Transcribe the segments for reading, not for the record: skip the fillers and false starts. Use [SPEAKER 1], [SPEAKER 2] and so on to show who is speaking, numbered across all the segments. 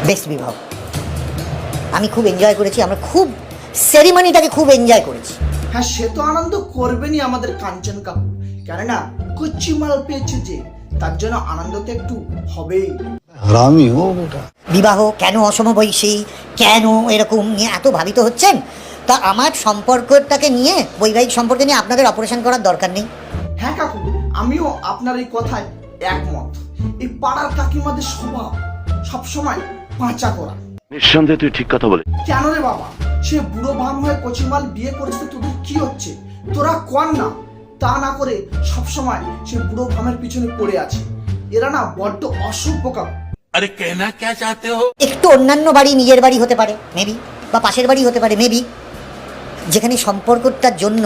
[SPEAKER 1] Best বিবাহ। আমি খুব এনজয় করেছি, আমরা খুব সেরিমনিটাকে খুব এনজয় করেছি।
[SPEAKER 2] হ্যাঁ, সে তো আনন্দ করবেনই আমাদের কাঞ্চন কাকু, কেননা কচ্চিমাল পেয়েছে যে, তার জন্য আনন্দ তো একটু হবেই।
[SPEAKER 3] হারামি হো বেটা।
[SPEAKER 1] বিবাহ কেন অসমবয়সী, কেন এরকম নিয়ে এত ভাবিত হচ্ছেন? তা আমার সম্পর্কটাকে নিয়ে, বৈবাহিক সম্পর্কে নিয়ে আপনাদের অপারেশন করার দরকার নেই।
[SPEAKER 2] হ্যাঁ কাকু, আমিও আপনার এই কথায় একমত। এই পাড়ার কাকিমাদের স্বভাব সবসময় পাঁচা করা।
[SPEAKER 4] নিঃসন্দেহে তুই ঠিক কথা বলে।
[SPEAKER 2] কেন রে বাবা, সে বুড়ো ভাম হয়ে কচিমাল বিয়ে করেছে, তোদের কি হচ্ছে? তোরা কর না। তা না করে সবসময় সে বুড়ো ভামের পিছনে পড়ে আছে। এরা না বড্ড অসভ্য কাকু।
[SPEAKER 5] अरे कहना क्या चाहते हो?
[SPEAKER 1] একটু অন্যান্য বাড়ি, নিজের বাড়ি হতে পারে মেবি, বা পাশের বাড়ি হতে পারে মেবি, যেখানে সম্পর্কটার জন্য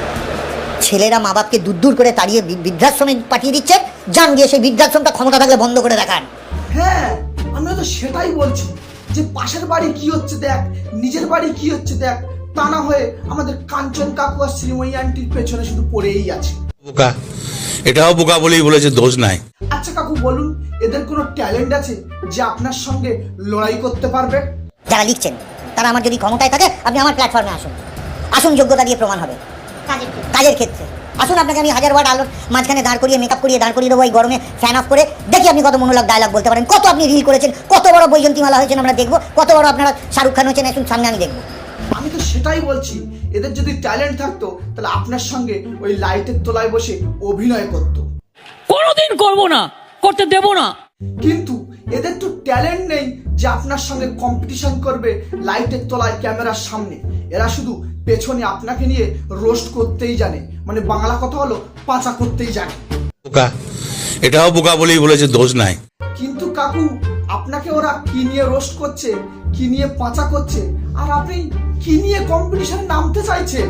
[SPEAKER 1] ছেলেরা মা বাপকে দূর দূর করে তাড়িয়ে বৃদ্ধাশ্রমে পাঠিয়ে দিচ্ছে, যান গিয়ে সেই বৃদ্ধাশ্রমটা ক্ষমতা থাকলে বন্ধ করে দেখান।
[SPEAKER 2] হ্যাঁ, আমিও তো সেটাই বলছি, যে পাশের বাড়ি কি হচ্ছে দেখ, নিজের বাড়ি কি হচ্ছে দেখ। তা না হয়ে আমাদের কাঞ্চন কাকু আর শ্রীময়ী আন্টির পেছনে শুধু পড়েই আছে।
[SPEAKER 5] বোকা, এটাও বোকা বলেই বলেছে, দোষ নাই।
[SPEAKER 2] আচ্ছা কাকু বলুন, এদের কোনো ট্যালেন্ট আছে যে আপনার সঙ্গে লড়াই করতে পারবে?
[SPEAKER 1] যারা লিখছেন তারা আমার যদি ক্ষমতায় থাকে, আপনি আমার প্ল্যাটফর্মে আসুন, আসুন, যোগ্যতা দিয়ে প্রমাণ হবে। কাজের ক্ষেত্রে আসুন, আপনাকে আমি 1000 ওয়াট আলোর মাঝখানে দাঁড় করিয়ে, মেকআপ করিয়ে দাঁড় করিয়ে দেবো এই গরমে, ফ্যান অফ করে, দেখি আপনি কত মনোলগ ডায়লগ বলতে পারেন, কত আপনি রিল করেছেন, কত বড় বৈজন্তীমালা হয়েছেন আমরা দেখবো, কত বড় আপনারা শাহরুখ খান হয়েছেন, আসুন সামনে আমি দেখবো।
[SPEAKER 2] আমি তো সেটাই বলছি, এদের যদি ট্যালেন্ট থাকতো তাহলে আপনার সঙ্গে ওই লাইটের তলায় বসে অভিনয় করতো।
[SPEAKER 6] কোনোদিন করবো না, করতে দেবো না।
[SPEAKER 2] কিন্তু এদের তো ট্যালেন্ট নেই যে আপনার সঙ্গে কম্পিটিশন করবে লাইটের তলায় ক্যামেরার সামনে। এরা শুধু পেছনে আপনাকে নিয়ে রোস্ট করতেই জানে, মানে বাংলা কথা হলো পাঁচা করতেই জানে।
[SPEAKER 5] বোকা, এটাও বোকা বলেই বলেছে, দোষ নাই।
[SPEAKER 2] কিন্তু কাকু, আপনাকে ওরা কি নিয়ে রোস্ট করছে, কি নিয়ে পাঁচা করছে, আর আপনি কি নিয়ে কম্পিটিশনে নামতে চাইছেন?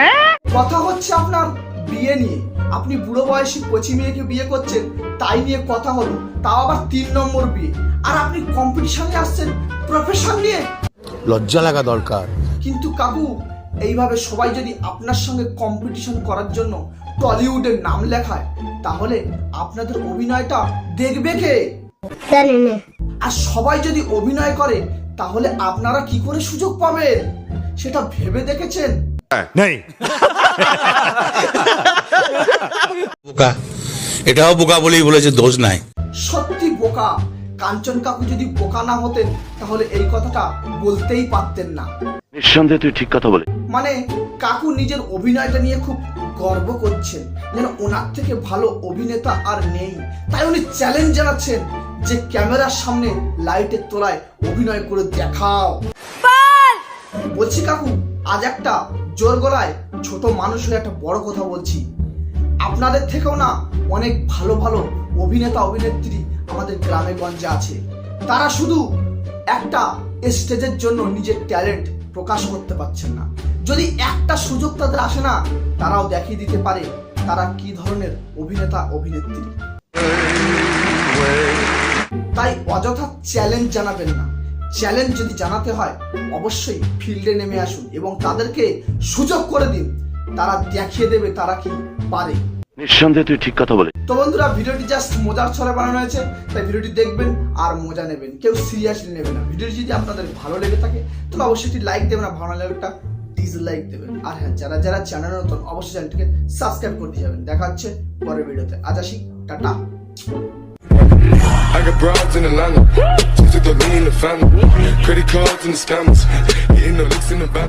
[SPEAKER 2] কথা হচ্ছে আপনার বিয়ে নিয়ে। আপনি বুড়ো বয়সী কচি মেয়েকে বিয়ে করছেন, তাই নিয়ে কথা হলো, তাও আবার 3 নম্বর বিয়ে। আর আপনি কম্পিটিশনে আসছেন প্রফেশন নিয়ে।
[SPEAKER 3] লজ্জা লাগা দরকার।
[SPEAKER 2] কিন্তু কাকু, এইভাবে সবাই যদি আপনার সঙ্গে কম্পিটিশন করার জন্য টলিউডের নাম লেখায়, তাহলে আপনাদের অভিনয়টা দেখবে কে? আর সবাই যদি অভিনয় করে, তাহলে আপনারা কি করে সুযোগ পাবেন সেটা ভেবে দেখেছেন?
[SPEAKER 5] বোকা, এটাও বোকা বলেই বলেছে, দোষ নাই।
[SPEAKER 2] সত্যি বোকা। কাঞ্চন কাকু যদি বোকা না হতেন, তাহলে এই কথাটা বলতেই পারতেন না।
[SPEAKER 4] নিঃসন্দেহে তুই ঠিক কথা বলে।
[SPEAKER 2] মানে কাকু নিজের অভিনয়টা নিয়ে খুব গর্ব করছেন, যেন ওনার থেকে ভালো অভিনেতা আর নেই। তাই উনি চ্যালেঞ্জ জানাচ্ছেন যে ক্যামেরার সামনে লাইটের তলায় অভিনয় করে দেখাও। বলছি কাকু, আজ একটা জোর গলায় ছোট মানুষ হয়ে একটা বড় কথা বলছি। আপনাদের থেকেও না অনেক ভালো ভালো অভিনেতা অভিনেত্রী আমাদের গ্রামে গঞ্জে আছে। তারা শুধু একটা স্টেজের জন্য নিজের ট্যালেন্ট প্রকাশ করতে পারছেন না। যদি একটা সুযোগ তাদের আসে না, তারাও দেখিয়ে দিতে পারে তারা কি ধরনের অভিনেতা অভিনেত্রী। তাই অযথা চ্যালেঞ্জ জানাবেন না। চ্যালেঞ্জ যদি জানাতে হয়, অবশ্যই ফিল্ডে নেমে আসুন এবং তাদেরকে সুযোগ করে দিন। তারা দেখিয়ে দেবে তারা কি পারে।
[SPEAKER 4] নিঃসন্দেহে তুই ঠিক কথা বলে।
[SPEAKER 2] তো বন্ধুরা, ভিডিওটি জাস্ট মজার ছলে বানানো হয়েছে, তাই ভিডিওটি দেখবেন আর মজা নেবেন, কেউ সিরিয়াসলি নেবেন না। ভিডিওটি যদি আপনাদের ভালো লেগে থাকে তাহলে অবশ্যই একটি লাইক দেবেন, আর ভালো লাগলে একটা ডিসলাইক দেবেন। আর হ্যাঁ, যারা যারা চ্যানেল নতুন, অবশ্যই চ্যানেলটিকে সাবস্ক্রাইব করে দিয়ে যাবেন। দেখা হচ্ছে পরের ভিডিওতে। আজ আসি, tata.
[SPEAKER 7] I got broads in Atlanta, just to throw me in the family. Credit cards and the scammers, hitting the licks in the back.